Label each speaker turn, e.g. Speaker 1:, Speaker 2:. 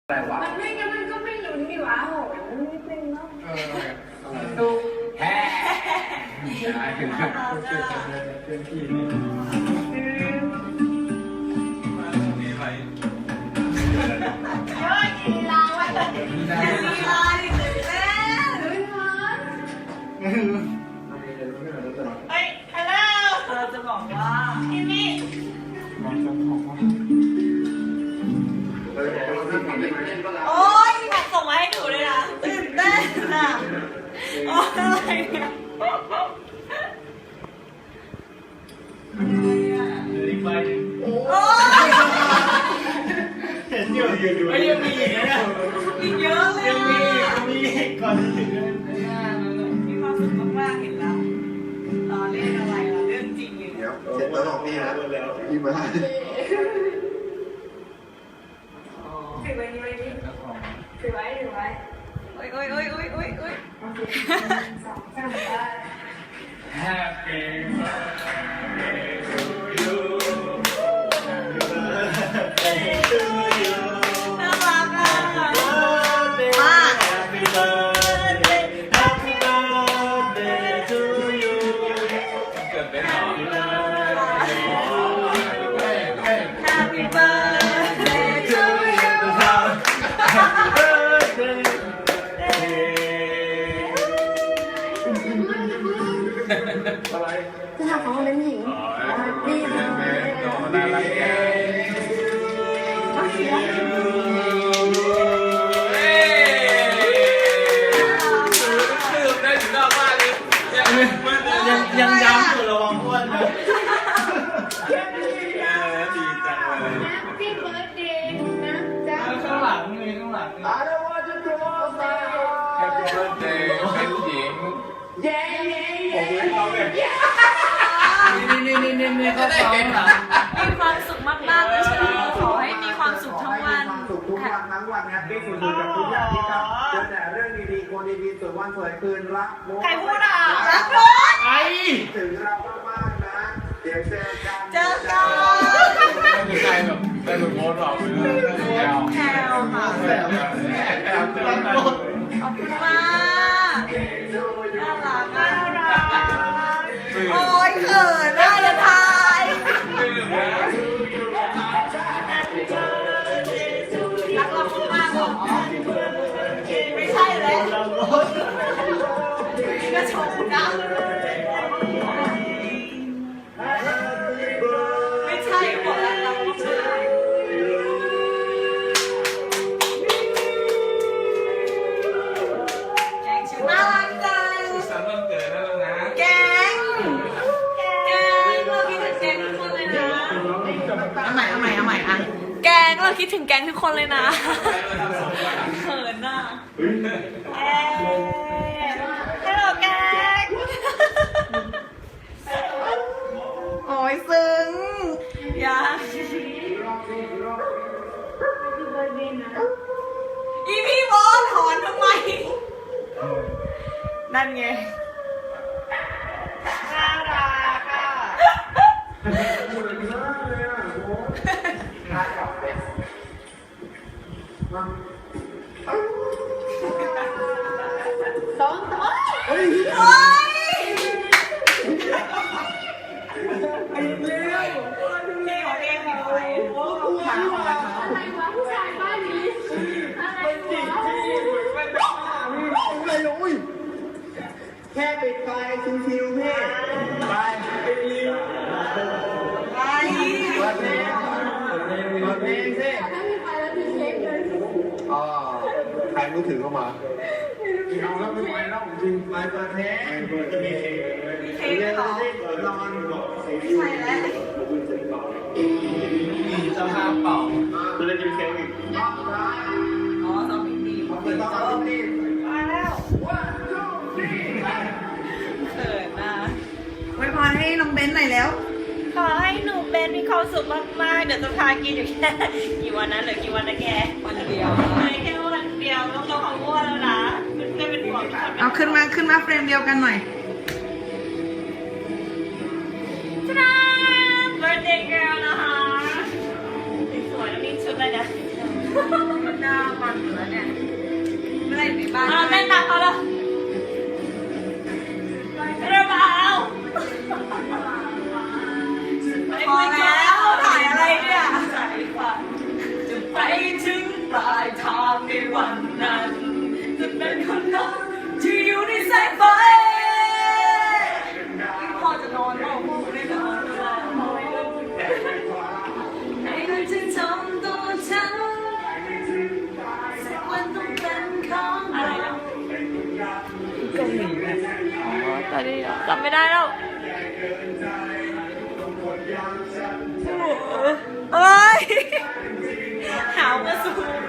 Speaker 1: อะไรวะ
Speaker 2: มันไม่งั้นมันก็ไม่ลุ้นดีวะโหนิดนึงเนาะ
Speaker 1: ดูแฮ่ใช่เพื่อนพี่นี่
Speaker 2: เฮ้ยลีลาไว้ลีลาดิเสร็จแล้วลุ้นมันเฮ้ยฮัลโหลเราจะบอกว่าพี่มี่โอ๊ยแท็กส่งมาให้ดูเลยนะตื่นเต้นอ่ะโอ๊ยอะไรเนี่ย
Speaker 1: อีกใบหนึ่ง
Speaker 2: โอ๊ย
Speaker 1: เห็นอยู่ไม่ยังมีอีกนะเนี่ย
Speaker 2: อีกเยอะเลย
Speaker 1: ยังมีก่อนจะถึงเลย
Speaker 2: มีความสุขมากๆเห็นแล้วเล่นอะไรล่ะเรื่องจริงเลย
Speaker 3: เดี๋ยวเสร็จแล้วบอกพี่นะพี่มา
Speaker 2: ถือไว้นี่ไว้นี่ถือไว้โอ๊ยสองสามได้
Speaker 1: Happy birthday to you Happy birthday to you
Speaker 2: น่ารักอ่ะ
Speaker 1: Happy birthday Happy birthday to you เกิดเป็นหรอ
Speaker 2: Happy birthday to you
Speaker 1: Happy birthday อะไร
Speaker 4: จะทำของเป็นหญิงดีเลย
Speaker 1: น่ารักแก่คือได้ถึงนอกบ้านเลยยังย้ำอยู่ระวังอ้วนนะดีจังเลย
Speaker 4: Happy birthday นะจ๊ะ
Speaker 1: ข้างหลังมีข้างหลัง Happy birthday เป็นหญิงผมเลยเขาเลยนี่เขาฟ้องหลัง
Speaker 2: มีความสุขมากๆเลยเชอขอให้มีความสุขทั้งวัน
Speaker 3: สุขทุกวันทั้งวันแฮปปี้สุดๆกับทุกอย่างที่ทำเจอแต่เรื่องดีๆคนดีๆสวยวันสวยคืนรักโม
Speaker 2: ใครพูดอ่ะรักรถ
Speaker 1: ไอ้
Speaker 3: ถึงเรามากๆนะเดี๋ยวเจอกัน
Speaker 2: เจอกัน
Speaker 1: ไม่มีใครแบบได้หลุดโพสหรอกแอล
Speaker 2: แพลวค่ะ
Speaker 1: แอลตั้งโพส
Speaker 2: ขอบคุณมากน่ารักโอ๊ยเขินน่าจะทายรักเรามากๆหรอไม่ใช่แล้วก็ชมนะไม่ใช่หมดแล้วเราไม่ใช่แกงชื่อน่ารักจัง
Speaker 1: สันวันเกิดแล้วนะ
Speaker 2: แกงเราคิดถึงแกงทุกคนเลยนะเอาใหม่อ่ะแกงเราคิดถึงแกงทุกคนเลยนะเขินอ่ะฮัลโหลแกงโอ้ยซึ้งอย่าอีพี่บอลถอนทำไมนั่นไงน่ารักอ่ะ
Speaker 4: สองตัว
Speaker 2: โอ๊ยพี่ของเองมีใครโอ้โห
Speaker 4: อะไรวะผู้ชายบ้านนี้อะไรวะ
Speaker 3: ไม่รู้แค่ปิดไฟชิวๆพี่ไปเปิดเพลงสิ
Speaker 4: ถ้ามีไฟแล้วมีเค้กเลย
Speaker 3: อ๋อใครมือถือเข้ามาเอาแล้วไม่ไหวแล้วจริงไปเปิดเพลงมีเค้ก
Speaker 2: มีเค้กด้วยเหรอ
Speaker 3: นอน
Speaker 2: ไม่ใช่แล้ว
Speaker 1: มีเจ้าภาพเป่า
Speaker 3: จะได้กินเค้กอีก
Speaker 2: อ๋อสองดี
Speaker 3: เปิดต้องเอาที่
Speaker 2: มาแล้วเขินนะ
Speaker 5: ไว้พรให้น้องเบนหน่อยแล้ว
Speaker 2: ขอให้หนูเป็นมีความสุขมากๆเดี๋ยวจะพากินอยู่แค่กี่วันนะเหลือกี่วันนะแกวันเดียวแค่วันเดียวต้องรอเขาอ้วนแล้วนะเพื่อนๆเป็นห่วงทุกคน
Speaker 5: เอาขึ้นมาเฟรมเดียวกันหน่อย
Speaker 2: จ้า birthday girl นะคะสวยๆแล้วมีชุดอะไรนะหน้ามาปลายทางในวันนั้น จะเป็นคนนั้นที่อยู่ในแสงไฟพ่อจะนอนพ่อไม่นอนให้มันจะทำตัวฉันสักวันต้องเป็นของเราเกาหลีแบบตอนนี้จำไม่ได้แล้วเอ้ยหาวมาสูง